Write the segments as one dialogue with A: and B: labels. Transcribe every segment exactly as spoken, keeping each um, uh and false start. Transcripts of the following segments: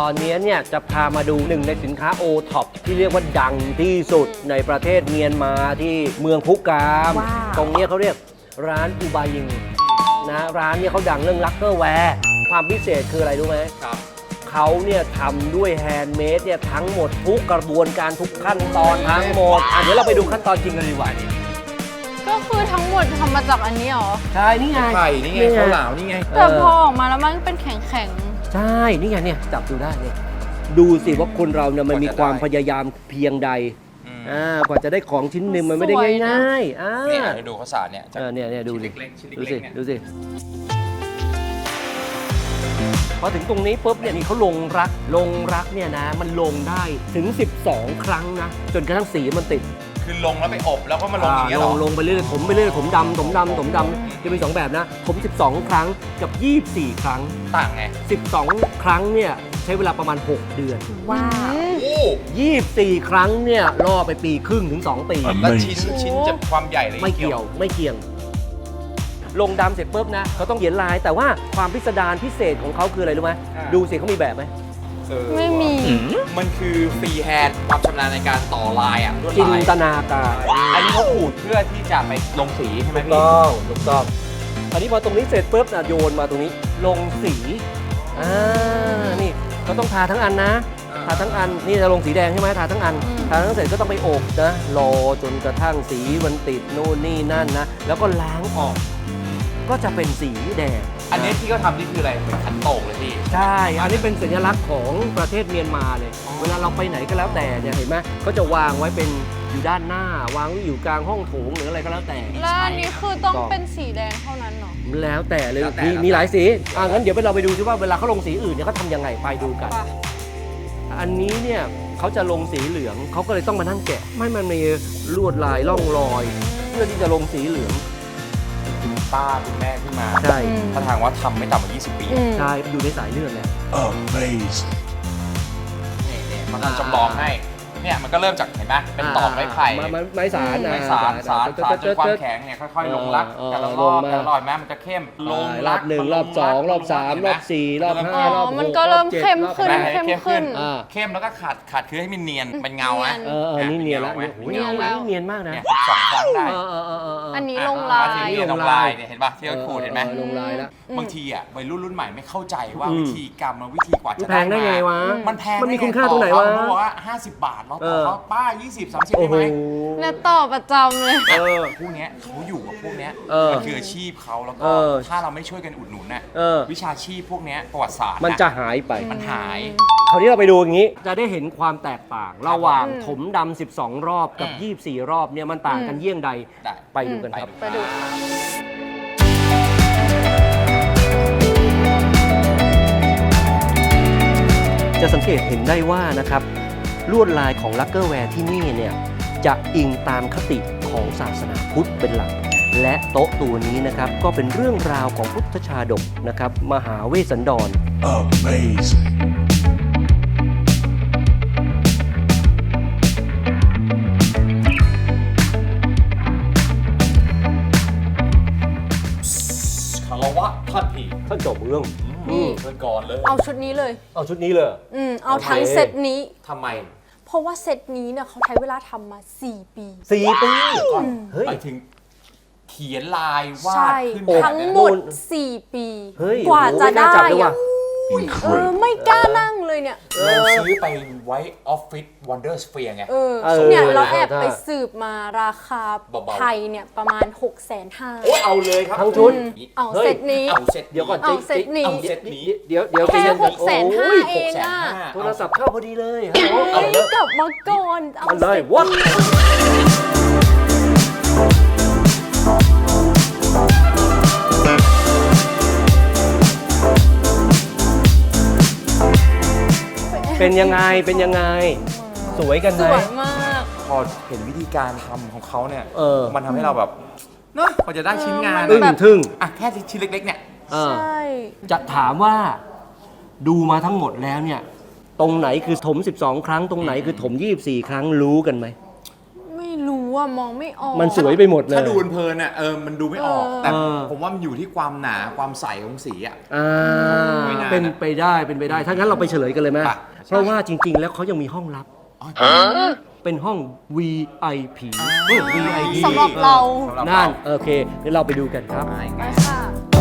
A: อนนี้เนี่ยจะพามาดูหนึ่งในสินค้าโอท็อปที่เรียกว่าดังที่สุดในประเทศเมียนมาที่เมืองพุกาม ตรงนี้เขาเรียกร้านอูบายิงนะร้านเนี่ยเขาดังเรื่องลักเกอร์แวร์ความพิเศษคืออะไรรู้ไหมครับเขาเนี่ยทำด้วยแฮนด์เมดเนี่ยทั้งหมดทุกกระบวนการทุกขั้นตอนทั้งหมดอ่ะเดี๋ยวเราไปดูขั้นตอนจริงกันดีกว่านี่
B: ก็คือทั้งหมดทำมาจากอันนี้เหรอ
A: ใช่นี่ไง
C: ไข่นี่ไงข้าวหลามนี่ไง
B: แต่พอออกมาแล้วมันเป็นแข็ง
A: ๆใช่นี่ไงเนี่ยจับดูได้เนี่ยดูสิว่าคนเราเนี่ยมันมีความพยายามเพียงใดอ่ากว่าจะได้ของชิ้นหนึ่งมันไม่ได้ง่ายๆอ่า
C: เนี่ยดูข้าวสารเนี่ย
A: เนี่ยเนี่ยดูดิดูสิดูสิพอถึงตรงนี้ปุ๊บเนี่ยนี่เขาลงรักลงรักเนี่ยนะมันลงได้ถึงสิบสองครั้งนะจนกระทั่งสีมันติด
C: คือลงแล้วไปอบแล้วก็มาลงอย่างเงี้ยหรอ
A: ลงไปเรื่อยๆถมไปเรื่อยๆถมดำถมดำถมดำจะมีสองแบบนะถมสิบสองครั้งกับยี่สิบสี่ครั้ง
C: ต่างไง
A: สิบสองครั้งเนี่ยใช้เวลาประมาณหกเดือน
B: ว้าว
A: ยี่สิบสี่ครั้งเนี่ยล่อไปปีครึ่งถึงสองปี
C: แล้วชิ้นชิ้นจะความใหญ่เลย
A: ไม่เกี่ยวไม่เกี่ยงลงดำเสร็จปุ๊บนะเขาต้องเขียนลายแต่ว่าความพิสดารพิเศษของเขาคืออะไรรู้ไหมดูสิเขามีแบบไหม
B: ไม่มี
C: มันคือฟรีแฮนด์ความชำนาญในการต่อลายอ่ะ
A: จินตนาการ
C: อันนี้เขาขูดเพื่อที่จะไปลงสีใช่ไหมพี่
A: ถูกต้องถูกต้องอันนี้พอตรงนี้เสร็จปุ๊บนะโยนมาตรงนี้ลงสีอ่านี่เขาต้องทาทั้งอันนะทาทั้งอันนี่จะลงสีแดงใช่ไหมทาทั้งอันทาทั้งเสร็จก็ต้องไปอบนะรอจนกระทั่งสีมันติดนู่นนี่นั่นนะแล้วก็ล้างออกก็จะเป็นสีแดง
C: อันนี้ที่เขาทำนี่คืออะไรเหมือนขันโตกเลยพี่
A: ใช่อันนี้เป็นสัญลักษณ์ของประเทศเมียนมาเลยเวลาเราไปไหนก็แล้วแต่เนี่ยเห็นไหมเขาจะวางไว้เป็นอยู่ด้านหน้าวางไว้อยู่กลางห้องโถงหรืออะไรก็แล้วแต่
B: แล้วอันนี้คือต้องเป็นสีแดงเท่านั้นเหรอ
A: แล้วแต่เลยมีมีหลายสีอ่ะงั้นเดี๋ยวเราไปดูซิว่าเวลาเขาลงสีอื่นเนี่ยเขาทำยังไงไปดูกันอันนี้เนี่ยเขาจะลงสีเหลืองเขาก็เลยต้องมานั่งแกะไม่มันมีลวดลายร่องรอยเพื่อที่จะลงสีเหลือง
C: ป้าคุณแม่ขึ้นมา
A: ใช่
C: ถ้าทางว่าทำไม่ต่ำกว่ายี่สิบปี
A: ใช่อยู่ในสายเลือดแหละ
C: Amazing นี่นี่มันจำลองให้เนี่ยมันก็เริ่มจากเห็นไหมเป็นตอกไม้ไผ่
A: ไม้สาร
C: ไม้สารสารสารจนความแข็งเนี่ยค่อยๆลงรักแต่ละรอบแต่ละรอบแม้มันจะเข้มลง
A: รอบหนึ่งรอบสองรอบสามรอบสี่รอบห้ารอบหก
B: มันก็เริ่มเข้มขึ้นเข้มขึ้น
C: เข้มแล้วก็ขัดขัดคือให้มันเนียนเป็นเงาไหม
A: เออนี่เนียนแล้วเนียนแล้วเนียนมากนะ
C: สองครั้งได้
B: อันนี้ลงลาย
C: ลงลายเนี่ยเห็นป่ะที่เขาขูดเห็นไหม
A: ลงลายแล้ว
C: บางทีอ่ะวัยรุ่นรุ่นใหม่ไม่เข้าใจว่าวิธีกรรมวิธีกว่าจะ
A: แพงได้ไงวะ
C: มันแพง
A: มันมีคุณค่าตรงไหนวะ
C: เขาบอกว่าห้าสิบบาทเราต่อเขาป้ายี่สิบ สามสิบได้ไหม
B: เนี่ยต่อประจำเลย
C: เออพวกเนี้ยเขาอยู่กับพวกเนี้ยมันคืออาชีพเขาแล้วก็ถ้าเราไม่ช่วยกันอุดหนุนน่ะวิชาชีพพวกเนี้ยประวัติศาสตร์
A: มันจะหายไป
C: มันหาย
A: คราวนี้เราไปดูอย่างนี้จะได้เห็นความแตกต่างระหว่างถมดำสิบสองรอบกับยี่สิบสี่รอบเนี่ยมันต่างกันเยี่ยงใดไปดูกันครับ
B: ไปดู
A: จะสังเกตเห็นได้ว่านะครับลวดลายของลักเกอร์แวร์ที่นี่เนี่ยจะอิงตามคติของศาสนาพุทธเป็นหลักและโต๊ะตัวนี้นะครับก็เป็นเรื่องราวของพุทธชาดกนะครับมหาเวสสันดร Amazing
C: คารวะท่านพี่
A: ท่านเจ้าเมือง
B: นี่
C: เชิญก่อนเลย
B: เอาชุดนี้เลย
A: เอาชุดนี้เลย
B: อืมเอาทั้งเซตนี้
C: ทำไม
B: เพราะว่าเซตนี้เนี่ยเขาใช้เวลาทำมาสี่ปี
A: สี่ปี
C: เฮ้ยไปถึงเขียนลายวาดขึ้น
B: ทั้งหมดสี่ปีกว่าจะได้อะเออไม่กล้านั่งเลยเนี่ย
C: เราซื้อไปไว้ออฟฟิศวันเดอร์สเฟียร์ไง
B: เออเนี่ยเราแอบไปสืบมาราคาไทยเนี่ยประมาณหกแสนห้า
C: โอ้เอาเลยครับ
A: ทั้งชุด
B: เอาเซตนี้
C: เอาเซต
A: เดี๋ยวก่อน
B: เอาเซตนี้
C: เอาเซตนี้
A: เดี๋ยวเดี๋ยว
B: แค่หกแสนห้าเองอะ
A: โทรศัพท์เข้าพอดีเลย
B: เอากลับมาก่อน
A: เอาเลยวัดเป็นยังไงเป็นยังไงสวยกันไหม
B: สวยมาก
C: พอเห็นวิธีการทำของเขาเนี่ยมันทำให้เราแบบเนอะพอจะได้ชิ้นงาน
A: อึ้งทึ่ง
C: อ่ะแค่ชิ้นเล็กๆเนี่ย
B: ใช่
A: จะถามว่าดูมาทั้งหมดแล้วเนี่ยตรงไหนคือถมสิบสองครั้งตรงไหนคือถมยี่สิบสี่ครั้งรู้กันไหม
B: ไม่รู้ออะมองไม่ออก
A: มันสวยไปหมดเลย
C: ถ้าดูเพลินๆอ่ะเออมันดูไม่ออก
B: เออ
C: แต่
A: เออ
C: ผมว่ามันอยู่ที่ความหนาความใสของสีอ่ะ
A: อ่า
C: ไม่นาน
A: เป็นไปได้เป็นไปได้ถ้างั้นเราไปเฉลยกันเลยไหม
C: ไป
A: เพราะว่าจริง ๆ แล้วเขายังมีห้องลับ เป็นห้อง วี ไอ พี เออ วี ไอ พี
B: สำหรับเรา
C: สำหรับ
A: นั่น
C: เรา
A: โอเคเดี๋ยวเราไปดูกันครับ
C: ไม่
B: ไป
C: ไง
B: ค่ะ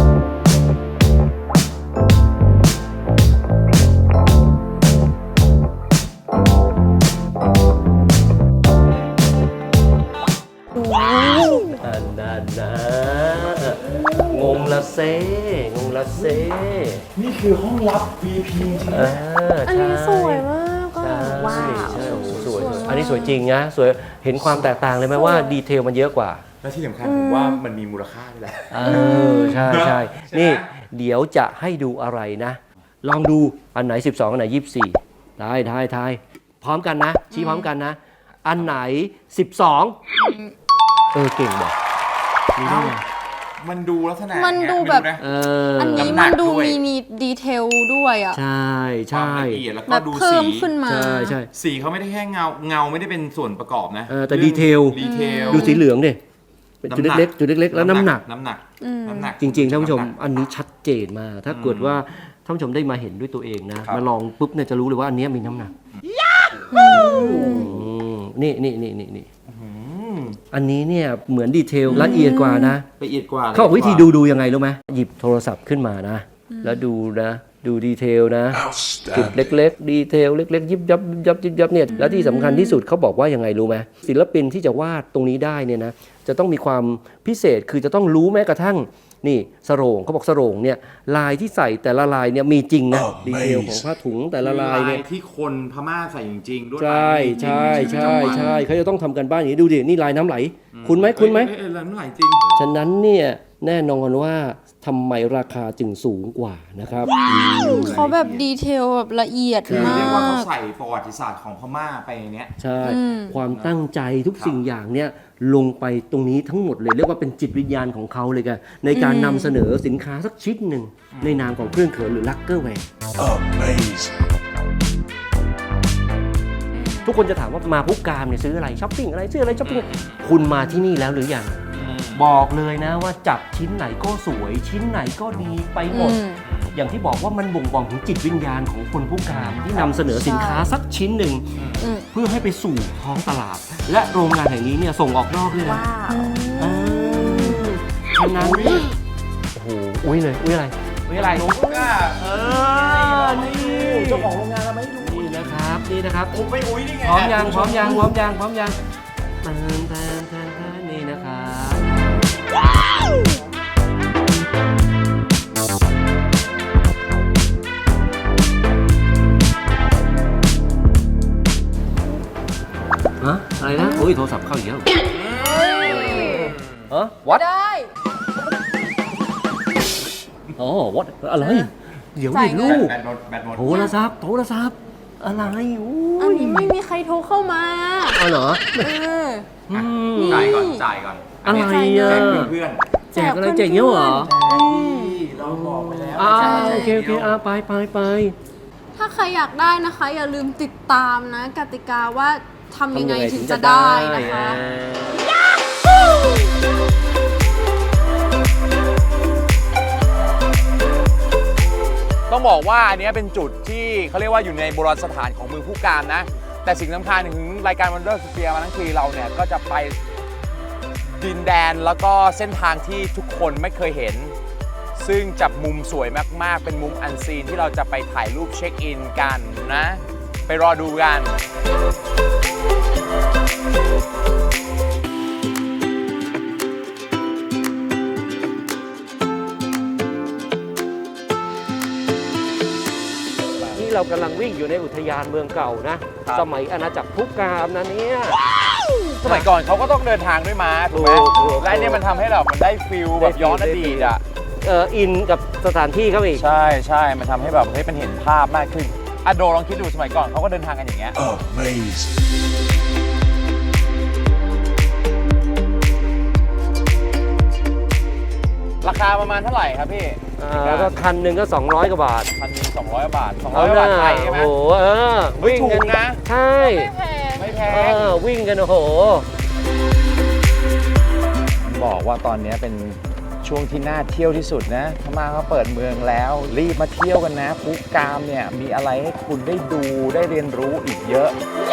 A: อันนั้นนะงงละเซงงละเซ
C: นี่คือห้องลับ วี พี จริง
A: เออ
B: อันนี้สวยมากก็
A: ใช่
B: ว้าว
A: ใช่โอ้โหสวยอันนี้สวยจริงนะสวยเห็นความแตกต่างเลยไหมว่าดีเทลมันเยอะกว่า
C: และที่สำคัญผมว่ามันมีมูลค่าด้วยแหละ
A: เออใช่ใช่
C: ใช่ไหม
A: นี่เดี๋ยวจะให้ดูอะไรนะ ลองดูอันไหน สิบสอง อันไหน ยี่สิบสี่ ได้ได้ทายพร้อมกันนะ ชี้พร้อมกันนะ อันไหน สิบสอง เออเก่งบอกนี่ได้ไง
C: มันดูลักษณะ
B: มันดู
C: ไง
B: แบบ
C: ไม่รู้นะ
A: เออ
B: อันนี้
C: น้ำหนั
B: มัน
C: ก
B: ดู
C: ด้วย
B: มีมีดีเทลด้วยอ่ะ
A: ใช่
C: ควา
A: ใช่
C: มละเอียดแล้ว
B: แบ
C: ก็
B: บ
C: ดู
B: เพิ่
C: สี
B: มขึ้นมา
A: ใช่ใช่
C: สีเขาไม่ได้แค่เงาเงาไม่ได้เป็นส่วนประกอบนะ
A: เออแต่ดีเทล
C: ดีเทล
A: ดูสีเหลืองดิเป็นจุดเล็กๆจุดเล็กๆแล้วน้ำหนัก
C: น้ำหนัก
B: อืม
C: น้ำหนัก
A: จริงๆท่านผู้ชม
C: ำหก
A: อันนี้ชัดเจนมากถ้าเกิดว่าท่านผู้ชมได้มาเห็นด้วยตัวเองนะ
C: ครับ
A: มาลองปุ๊บเนี่ยจะรู้เลยว่าอันเนี้ยมีน้ำหนักอืมนี่นี่นี่นี่นี่
C: อืม
A: อันนี้เนี่ยเหมือนดีเทลละเอียดกว่านะ
C: ละเอียดกว่า
A: เขาบอกวิธีดูดูยังไงรู้ไหมหยิบโทรศัพท์ขึ้นมานะ แล้วดูนะ ดูดีเทลนะจุดเล็กๆ ดีเทลเล็กๆ ยิบยับยิบยับยิบยับเนี่ยแล้วที่สำคัญที่สุดเขาบอกว่ายังไงรู้ไหมศิลปินที่จะวาดตรงนี้ได้เนี่ยนะจะต้องมีความพิเศษคือจะต้องรู้แม้กระทั่งนี่สโรงเขาบอกสโรงเนี่ยลายที่ใส่แต่ละลายเนี่ยมีจริงนะดีเทลของผ้าถุงแต่ละลายเนี่ย
C: ที่คนพม่าใส่จริงๆด้วย
A: ใช่ใช่ใช่ใช่เขาจะต้องทำกันบ้านอย่างนี้ดูดินี่ลายน้ำไหล คุณไหมคุณไหม
C: เอ้ยเอ้ยเอ้ยน้ำไหลจริง
A: ฉะนั้นเนี่ยแน่นอนว่าทำไมราคาจึงสูงกว่านะครับ
B: เขาแบบดีเทลแบบละเอียด
C: คือ
B: มา
C: เรียกว่าเขา
B: ก
C: ใส่ประวัติศาสตร์ของพม่าไปในเนี้ย
A: ใช่
B: อืม
A: ความตั้งใจทุกสิ่งอย่างเนี่ยลงไปตรงนี้ทั้งหมดเลย เรียกว่าเป็นจิตวิญญาณของเขาเลยกันในการนำเสนอสินค้าสักชิ้นหนึ่งในนามของเครื่องเขินหรือลักเกอร์แวร์
D: Amazing.
A: ทุกคนจะถามว่ามาพุกกามเนี่ยซื้ออะไรช้อปปิ้งอะไรซื้ออะไรช้อปปิ้งคุณมาที่นี่แล้วหรือยังบอกเลยนะว่าจับชิ้นไหนก็สวย ชิ้นไหนก็ดีไปหมด
B: อืม
A: อย่างที่บอกว่ามันบ่งบอกถึงจิตวิญญาณของคนผู้กามที่นำเสนอสินค้าสักชิ้นหนึ่ง
B: อืม
A: เพื่อให้ไปสู่ท้องตลาด และโรงงานแห่งนี้เนี่ยส่งออกนอกด้วยนะ
B: ว้าว
A: เออฉะนั้นโอ้โหอุ้ยเลยอุ้ยอะไรอุ้ยอะไร
C: ผมก็
A: เออนี่
C: เจ้าของโรงงานเราไม่ดู
A: นี่นะครับนี่นะครับ
C: ผมไปอุ้ยนี่ไง
A: พร้อมยังพร้อมยังพร้อมยังพร้อมยังเติมเติมเติมเติมนี่นะครับฮะอะไรนะโอ้ยโทรศัพท์เข้าอีกแล้วเออ what
B: ได้
A: อ๋อ what อะไร เดี๋ยว
B: จ่า
A: ดิ
B: ยเงิน
A: ลูก
C: แบตหมดแบตหมด
A: โทรศัพท์โทรศัพท์อะไรอู้
B: อัน
A: ย
B: นี้ไม่มีใครโทรเข้ามา
A: อ๋อเหรอ
B: เออ
A: อืม
B: นี่
C: จ่ายก่อนจ่ายก่อน
A: อะไร
C: แจ
A: อ่ะ
C: กเพื่อน
A: แจกอะไรแจกเงี้ยเหรอ
C: ๆเราบอกไปแล้ว
A: อ่า
C: ใช่
A: โอเคโอเคอ่าไปไปไป
B: ถ้าใครอยากได้นะคะ อย่าลืมติดตามนะ กติกาว่าทำยังไงถึงจะได้นะคะ
C: ต้องบอกว่าอันนี้เป็นจุดที่เขาเรียกว่าอยู่ในโบราณสถานของเมืองผู้การนะ แต่สิ่งสำคัญถึงรายการ Wonder Sphere มาทั้งทีเราเนี่ยก็จะไปดินแดนแล้วก็เส้นทางที่ทุกคนไม่เคยเห็น ซึ่งจับมุมสวยมากๆ เป็นมุมอันซีนที่เราจะไปถ่ายรูปเช็คอินกันนะ ไปรอดูกัน
A: นี่เรากำลังวิ่งอยู่ในอุทยานเมืองเก่านะ
C: ครับ
A: สมัยอาณาจักรพุกกามนะเนี่ย
C: สมัยก่อนเขาก็ต้องเดินทางด้วยม้าถูกไหม
A: ถูกถูก
C: และอันนี้มันทำให้เรามันได้ฟิลแบบย้อนอดีตอ่ะ
A: เอออินกับสถานที่เขาอีก
C: ใช่ใช่มันทำให้แบบเฮ้ยมันเห็นภาพมากขึ้นอะโดลองคิดดูสมัยก่อนเขาก็เดินทางกันอย่างเงี้ย
D: Amazing.
C: ราคาประมาณเท่าไหร่ครับพี่
A: อ่าก็คันหนึ่งก็สองร้อยกว่าบาท
C: พันหนึ่งสองร้อยบาทสองร้
A: เอา
C: อย
A: ห
C: บา
A: น้า
C: ทไทยใช่ไหม
A: โอ้โหเออ
C: เฮ้ย
A: วิ่งกัน
C: ถูกนะ
A: ใช่
B: ไม่แพง
C: ไม่แพ
A: เอง อวิ่งกันโอ้โห
C: บอกว่าตอนนี้เป็นช่วงที่น่าเที่ยวที่สุดนะพม่าเขาเปิดเมืองแล้ว รีบมาเที่ยวกันนะภูกามเนี่ยมีอะไรให้คุณได้ดูได้เรียนรู้อีกเยอะ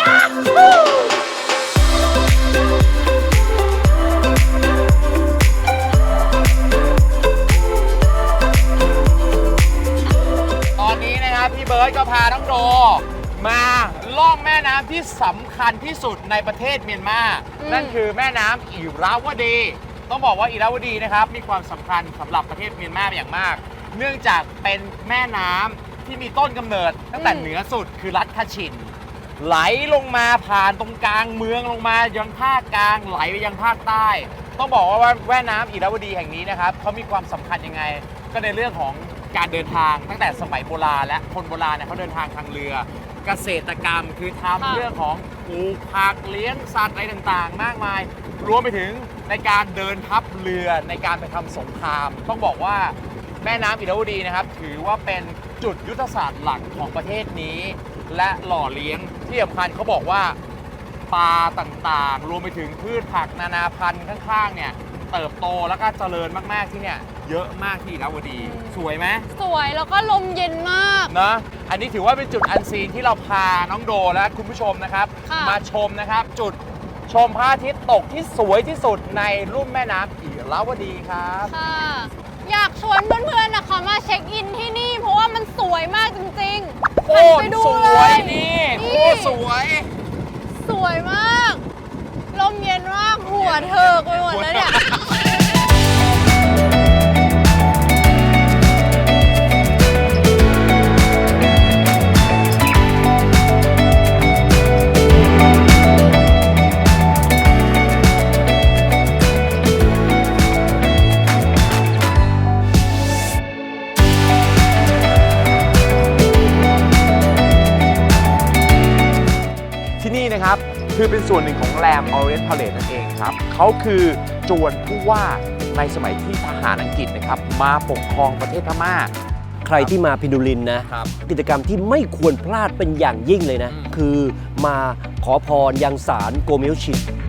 C: ตอนนี้นะครับพี่เบิร์ดก็พาน้องโดมาล่องแม่น้ำที่สำคัญที่สุดในประเทศเมียนมา
B: อืม
C: นั่นคือแม่น้ำอิราวดี ต้องบอกว่าอิราวดีนะครับมีความสำคัญสำหรับประเทศเมียนมาอย่างมาก เนื่องจากเป็นแม่น้ำที่มีต้นกำเนิดตั้งแต่เหนือสุดคือรัฐคาชิน ไหลลงมาผ่านตรงกลางเมืองลงมายังภาคกลางไหลไปยังภาคใต้ ต้องบอกว่าแม่น้ำอิราวดีแห่งนี้นะครับเขามีความสำคัญยังไง ก็ในเรื่องของการเดินทางตั้งแต่สมัยโบราณและคนโบราณเนี่ยเขาเดินทางทางเรือ เกษตรกรรมคือทำ
B: ค่ะ
C: เรื่องของปลูกผักเลี้ยงสัตว์อะไรต่างๆ มากมาย รวมไปถึงในการเดินทัพเรือในการไปทำสงคราม ต้องบอกว่าแม่น้ำอิราวดีนะครับถือว่าเป็นจุดยุทธศาสตร์หลักของประเทศนี้ และหล่อเลี้ยงที่สำคัญเขาบอกว่าปลาต่างๆ รวมไปถึงพืชผักนานาพันธุ์ข้างๆเนี่ยเติบโตแล้วก็เจริญมากๆที่เนี่ยเยอะมากที่อิราวดี สวยไหม
B: สวยแล้วก็ลมเย็นมาก
C: นะอันนี้ถือว่าเป็นจุดอันซีนที่เราพาน้องโดและคุณผู้ชมนะครับ
B: ค่ะ
C: มาชมนะครับ จุดชมพระอาทิตย์ตกที่สวยที่สุดในลุ่มแม่น้ำอิราวดีครับ
B: ค่ะ อยากชวนเพื่อนๆนะคะมาเช็คอินที่นี่ เพราะว่ามันสวยมากจริงๆ
C: โค
B: หัน
C: ต
B: ไป
C: ร
B: ดู
C: ส
B: เล
C: วย
B: ย
C: นี่โคตรสวย
B: สวยมาก ลมเย็นมาก หัวเถิกไปหมดแล้วเนี่ย
C: ที่นี่นะครับคือเป็นส่วนหนึ่งของแรมออเรน t ์พาเล e นั่นเองครับเขาคือจวนผู้ว่าในสมัยที่ทหารอังกฤษนะครับมาปกครองประเทศพม่า
A: ใครที่มาพิดูลินนะ
C: ครับ
A: กิจกรรมที่ไม่ควรพลาดเป็นอย่างยิ่งเลยนะ
C: อืม
A: คือมาขอพรยังศาลโกเมลชิน